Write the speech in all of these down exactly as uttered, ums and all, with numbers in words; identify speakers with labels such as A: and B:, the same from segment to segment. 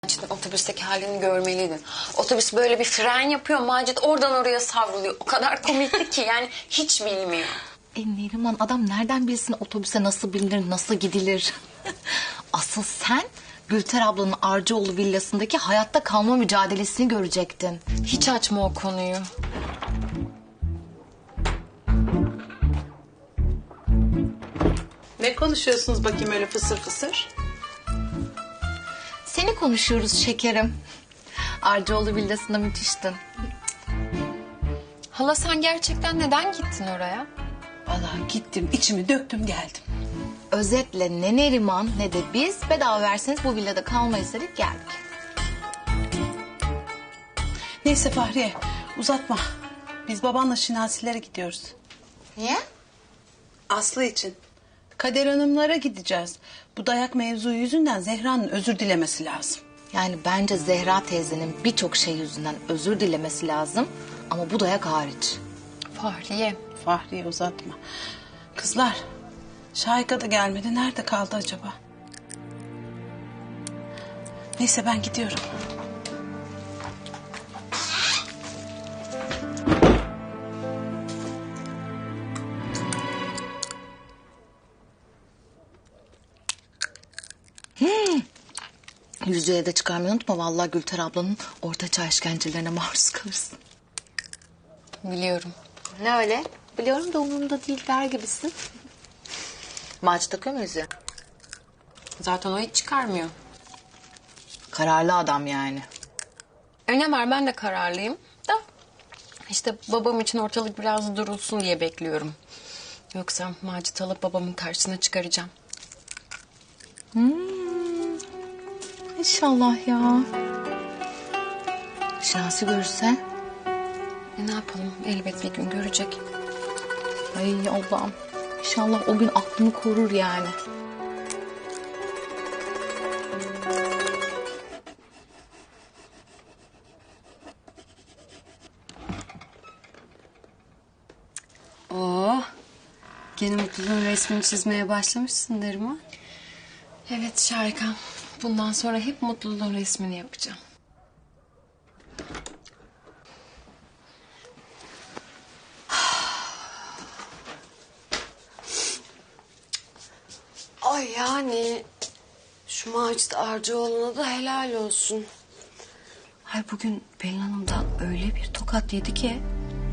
A: Macit'in otobüsteki halini görmeliydin. Otobüs böyle bir fren yapıyor. Macit oradan oraya savruluyor. O kadar komikti ki yani hiç bilmiyor.
B: E Neriman, adam nereden bilsin otobüse nasıl binilir, nasıl gidilir? Asıl sen Gülter ablanın Arcıoğlu villasındaki hayatta kalma mücadelesini görecektin.
A: Hiç açma o konuyu.
C: Ne konuşuyorsunuz bakayım öyle fısır fısır?
B: Seni konuşuyoruz şekerim. Arcıoğlu villasında müthiştin.
A: Hala sen gerçekten neden gittin oraya?
C: Vallahi gittim, içimi döktüm geldim.
B: Özetle ne Neriman ne de biz bedava verseniz bu villada kalmayız dedik, geldik.
C: Neyse Fahriye, uzatma. Biz babanla Şinasilere gidiyoruz.
B: Niye?
C: Aslı için. Kader Hanımlara gideceğiz. Bu dayak mevzu yüzünden Zehra'nın özür dilemesi lazım.
B: Yani bence Zehra teyzenin birçok şey yüzünden özür dilemesi lazım. Ama bu dayak hariç.
A: Fahriye.
C: Fahriye uzatma. Kızlar, Şahika da gelmedi. Nerede kaldı acaba? Neyse ben gidiyorum.
B: Yüzüğe de çıkarmayı unutma. Vallahi Gülter ablanın ortaçağ işkencelerine maruz kalırsın.
A: Biliyorum.
B: Ne öyle? Biliyorum da umurumda değil der gibisin. Macit takıyor mu yüzüğü?
A: Zaten o hiç çıkarmıyor.
B: Kararlı adam yani.
A: Öne var, ben de kararlıyım da. İşte babam için ortalık biraz durulsun diye bekliyorum. Yoksa Macit alıp babamın karşısına çıkaracağım.
B: İnşallah ya. Şansı görürse.
A: E ne yapalım, elbet bir gün görecek.
B: Ay Allah'ım. İnşallah o gün aklını korur yani.
A: Oo, gene mutluluğun resmini çizmeye başlamışsın Neriman. Evet Şarika. Bundan sonra hep mutluluğun resmini yapacağım. Ay yani şu Macit Arcıoğlu'na da helal olsun. Ay bugün Pelin Hanım'dan öyle bir tokat yedi ki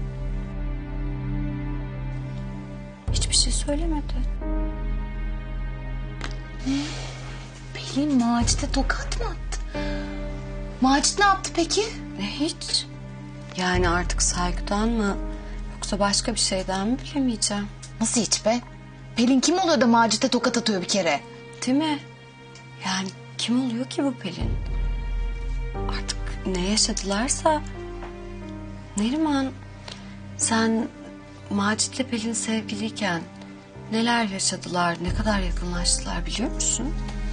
A: hiçbir şey söylemedi.
B: Pelin Macit'e tokat mı attı? Macit ne yaptı peki?
A: Ne hiç? Yani artık saygıdan mı yoksa başka bir şeyden mi bilemeyeceğim.
B: Nasıl hiç be? Pelin kim oluyor da Macit'e tokat atıyor bir kere?
A: Değil mi? Yani kim oluyor ki bu Pelin? Artık ne yaşadılarsa... Neriman, sen Macit'le Pelin sevgiliyken neler yaşadılar, ne kadar yakınlaştılar biliyor musun?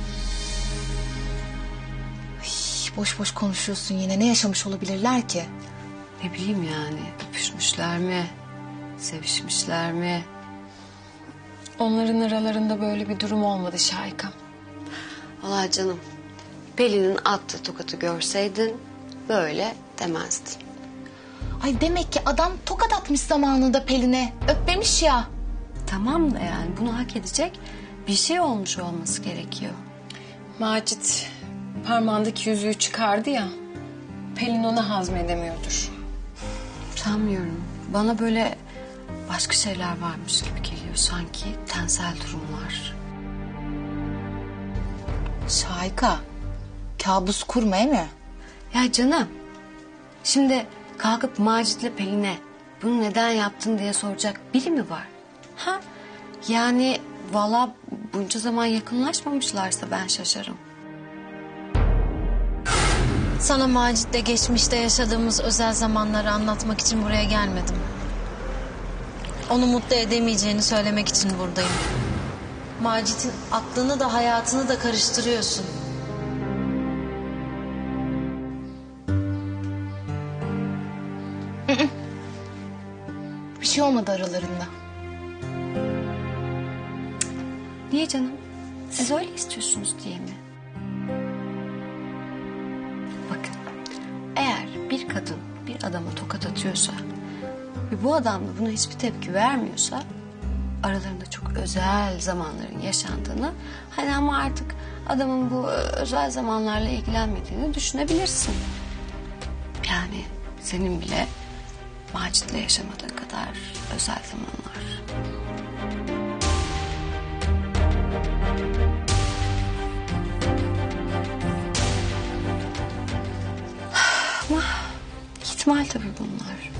B: Ay, boş boş konuşuyorsun yine. Ne yaşamış olabilirler ki?
A: Ne bileyim yani, öpüşmüşler mi, sevişmişler mi? Onların aralarında böyle bir durum olmadı Şahika. Vallahi canım, Pelin'in attığı tokatı görseydin böyle demezdin.
B: Ay demek ki adam tokat atmış zamanında Pelin'e. Öpmemiş ya.
A: Tamam da yani bunu hak edecek bir şey olmuş olması gerekiyor. Macit parmağındaki yüzüğü çıkardı ya, Pelin onu hazmedemiyordur. Sanmıyorum. Bana böyle başka şeyler varmış gibi geliyor. Sanki tensel durumlar.
B: Şahika. Kabus kurma değil mi?
A: Ya canım, şimdi kalkıp Macit'le Pelin'e bunu neden yaptın diye soracak biri mi var? Ha? Yani vallahi bunca zaman yakınlaşmamışlarsa ben şaşarım.
D: Sana Macit'le geçmişte yaşadığımız özel zamanları anlatmak için buraya gelmedim. Onu mutlu edemeyeceğini söylemek için buradayım. Macit'in aklını da hayatını da karıştırıyorsun.
B: Bir şey olmadı aralarında.
A: Niye canım? Siz öyle istiyorsunuz diye mi? Bakın, eğer bir kadın bir adama tokat atıyorsa ve bu adam da buna hiçbir tepki vermiyorsa aralarında çok özel zamanların yaşandığını, hani ama artık adamın bu özel zamanlarla ilgilenmediğini düşünebilirsin. Yani senin bile Macit'le yaşamadığın kadar özel zamanlar. Ama ihtimal tabii bunlar.